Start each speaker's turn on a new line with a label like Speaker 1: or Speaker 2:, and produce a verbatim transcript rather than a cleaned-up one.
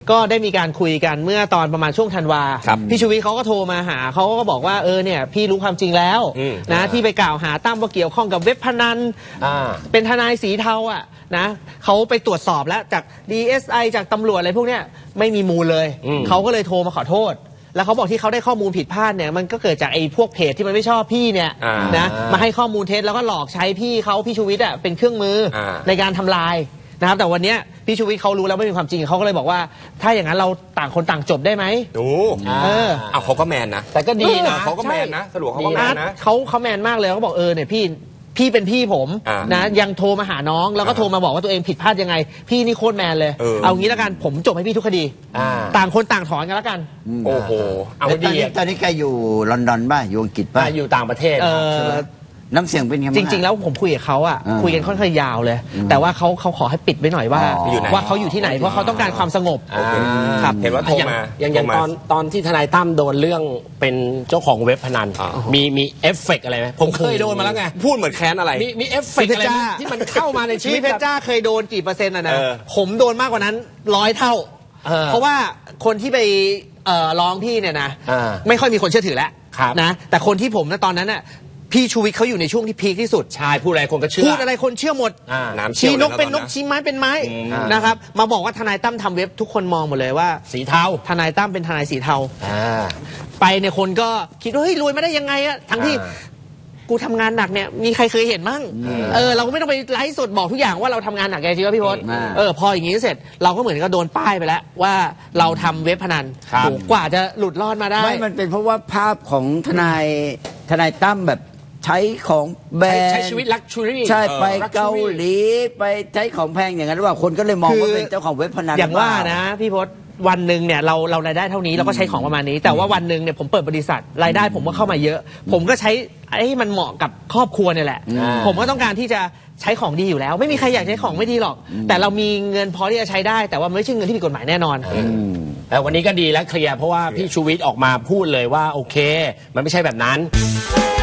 Speaker 1: ก็ได้มีการคุยกันเมื่อตอนประมาณช่วงธันวาพี่ชูวิทย์เขาก็โทรมาหาเขาก็บอกว่าเออเนี่ยพี่รู้ความจริงแล้วนะที่ไปกล่าวหาตั้มว่าเกี่ยวข้องกับเว็บพนันเป็นทนายสีเทาอ่ะนะเขาไปตรวจสอบแล้วจาก ดี เอส ไอ จากตำรวจอะไรพวกเนี้ยไม่มีมูลเลยเขาก็เลยโทรมาขอโทษแล้วเขาบอกที่เขาได้ข้อมูลผิดพลาดเนี่ยมันก็เกิดจากไอ้พวกเพจที่มันไม่ชอบพี่เนี่ยนะมาให้ข้อมูลเท็จแล้วก็หลอกใช้พี่เขาพี่ชูวิทย์อ่ะเป็นเครื่องมือในการทำลายนะครับแต่วันนี้พี่ชูวิทย์เขารู้แล้วไม่มีความจริงเขาก็เลยบอกว่าถ้าอย่างนั้นเราต่างคนต่างจบได้ไหม
Speaker 2: โอ้เออเอาเขาก็แมนนะ
Speaker 1: แต่ก็ดีนะ
Speaker 2: เขาก็แมนนะสรุปเขาก็แมนนะ
Speaker 1: เขาเขาแมนมากเลยเขาบอกเออเนี่ยพี่พี่เป็นพี่ผมนะยังโทรมาหาน้องแล้วก็โทรมาบอกว่าตัวเองผิดพลาดยังไงพี่นี่โคตรแมนเลยเอางี้แล้วกันผมจบให้พี่ทุกคดีต่างคนต่างถอนกันแล้วกัน
Speaker 2: โอ้โห
Speaker 3: เอาดีตอนนี้แกอยู่ลอนดอนป่ะอยู่อังกฤษป่ะ
Speaker 4: อยู่ต่างประเทศ
Speaker 3: น้ำเสียงเป็นยังไง
Speaker 1: จริงๆแล้วผมคุยกับเขาอ่ะคุยกันค่อนข้างยาวเลยแต่ว่าเขาเขาขอให้ปิดไว้หน่อยว่าว่าเขาอยู่ที่ไหนเพราะเขาต้องการความสงบ
Speaker 2: ครับเห็นว่าโทรมา
Speaker 4: อย่างอย่างตอนตอนที่ทนายตั้มโดนเรื่องเป็นเจ้าของเว็บพนันมีมีเอฟเฟกอะไรไหมผมเคยโดนมาแล้วไง
Speaker 2: พูดเหมือนแค้นอะไร
Speaker 4: มีมีเอฟเฟกอะไรที่มันเข้ามาในชีวิต
Speaker 1: เพชรจ้าเคยโดนกี่เปอร์เซ็นต์อ่ะนะผมโดนมากกว่านั้นร้อยเท่าเพราะว่าคนที่ไปร้องพี่เนี่ยนะไม่ค่อยมีคนเชื่อถือแล้วนะแต่คนที่ผมนะตอนนั้นน่ะพี่ชูวิทย์เขาอยู่ในช่วงที่พีคที่สุด
Speaker 4: ใช่พูดอะไรคนก็เชื่อ
Speaker 1: พูดอะไรคนเชื่อหมดชี้นกเป็นนกชี้ไม้เป็นไม้นะครับมาบอกว่าทนายตั้มทำเว็บทุกคนมองหมดเลยว่า
Speaker 4: สีเทา
Speaker 1: ทนายตั้มเป็นทนายสีเทาไปเนี่ยคนก็คิดว่าเฮ้ยรวยมาได้ยังไงอะทั้งที่กูทำงานหนักเนี่ยมีใครเคยเห็นมั่งเออเราก็ไม่ต้องไปไลฟ์สดบอกทุกอย่างว่าเราทำงานหนักไงจริงป่ะพี่พศเออพออย่างนี้เสร็จเราก็เหมือนกับโดนป้ายไปแล้วว่าเราทำเว็บพนันกว่าจะหลุดรอดมาได้
Speaker 3: ไม่มันเป็นเพราะว่าภาพของทนายทนายตั้มแบบใช้ของแบรนด์
Speaker 4: ใช้ชีวิตลักชัวรี่
Speaker 3: ใช่ไปเกาหลีไปใช้ของแพงอย่างนั้นหรือเปล่าคนก็เลยมองว่าเป็นเจ้าของเว็บพนัน
Speaker 1: อย่างว่านะพี่พศวันหนึ่งเนี่ยเราเรารายได้เท่านี้เราก็ใช้ของประมาณนี้แต่ว่าวันหนึ่งเนี่ยผมเปิดบริษัทรายได้ผมก็เข้ามาเยอะผมก็ใช้ไอ้มันเหมาะกับครอบครัวเนี่ยแหละผมก็ต้องการที่จะใช้ของดีอยู่แล้วไม่มีใครอยากใช้ของไม่ดีหรอกแต่เรามีเงินพอที่จะใช้ได้แต่ว่าไม่ใช่เงินที่ผิดกฎหมายแน่นอน
Speaker 4: แต่วันนี้ก็ดีแล้วเคลียร์เพราะว่าพี่ชูวิทย์ออกมาพูดเลยว่าโอเคมันไม่ใช่แบบนั้น